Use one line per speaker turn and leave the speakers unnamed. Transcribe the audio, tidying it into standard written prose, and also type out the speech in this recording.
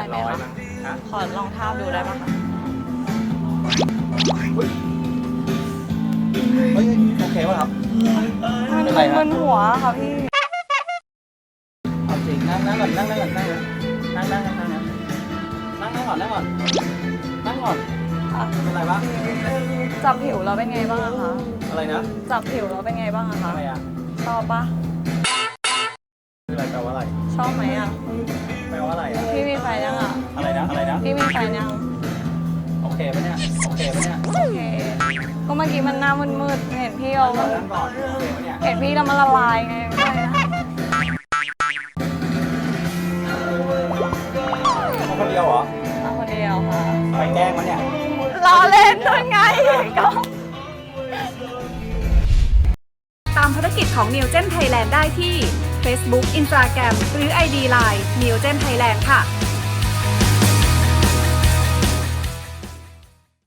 ไหมคะ
ฮะ
ขอลองทาบดูได้ปะคะ
เฮ้ยโอเคป่ะครับ
มัน
เป็นไรฮะ
มึนหัวค่ะพี่
เอาจริงนั่งก่อนนั่งก่อนนั่งก่อนนั่งก่อนเป็นไรบ้าง
จับผิวเราเป็นไงบ้างอะคะ
อะไรนะ
จับผิวเราเป็นไงบ้างอะคะ
ทำไมอ่ะ
ชอบปะ
คืออะไรแปลว่าอะไร
ชอบไหมอะ
แปลว่าอะไรอ่ะ
พี่มีแฟนยังอะ
อะไรนะ
พี่มีแฟนยัง
โอเคปะเนี่ย
โอเค ก็เมื่อกี้มันหน้ามืดๆเห็นพี่เรา
นั่งก่อนโอเคปะเนี่ย
เห็นพี่เรามันละลายไงก็เลยนะ
เขาคนเดียวเหรอ
เอาคนเดียวค่ะ
ไปแกล้งมันเนี่ย
รอเล่นด้วยไงก็
ตามภารกิจของ Neogen Thailand ได้ที่ Facebook Instagram หรือ ID Line Neogen Thailand ค่ะ